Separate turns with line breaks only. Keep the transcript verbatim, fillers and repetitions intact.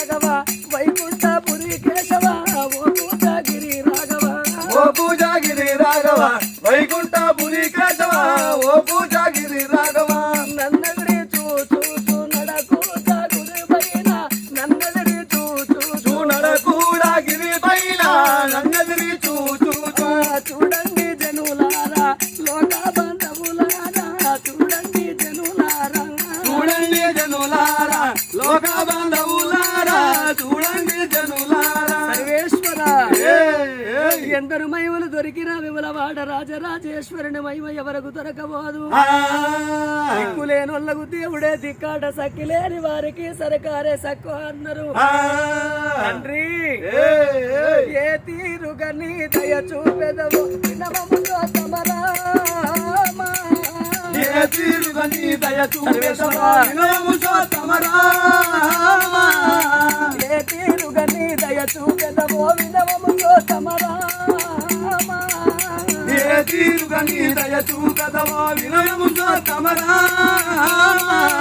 రాఘవ వైకుంఠపురి కేశవ ఓ పూజాగిరి రాఘవ
ఓ పూజాగిరి రాఘవ వైకుంఠపురి కేశవ ఓ పూజాగిరి రాఘవ
నన్నదిరి చూచూ నడకూడా గురి పైన నన్నదిరి చూచూ
నడకూడా గిరి పైన నన్నదిరి చూచూ
చూడండి జనులారా లోక బంధువులారా చూడండి జనులారా
చూడండి జనులారా లోక బంధువులారా చూడండి జనులారా
సర్వేశ్వర ఎందరు మహిమలు దొరికిన విమలవాడ రాజరాజేశ్వరుని మహిమ ఎవరకు దొరకబోదు దిక్కులేనొల్లకు దేవుడే దిక్కాట సక్కిలేని వారికి సరకారే సక్కు అన్నారు తండ్రి ఏ తీరుగా నీ దయ చూపెదవు వినవములో తమరామా
ఏ తీరుగా నీ దయ చూపెదవు వినవములో తమరామా
ఏ తీరుగా నీ దయ చూపెదవు వినవములో తమరామా
ఏ తీరుగా నీ దయ చూపెదవు వినవములో తమరామా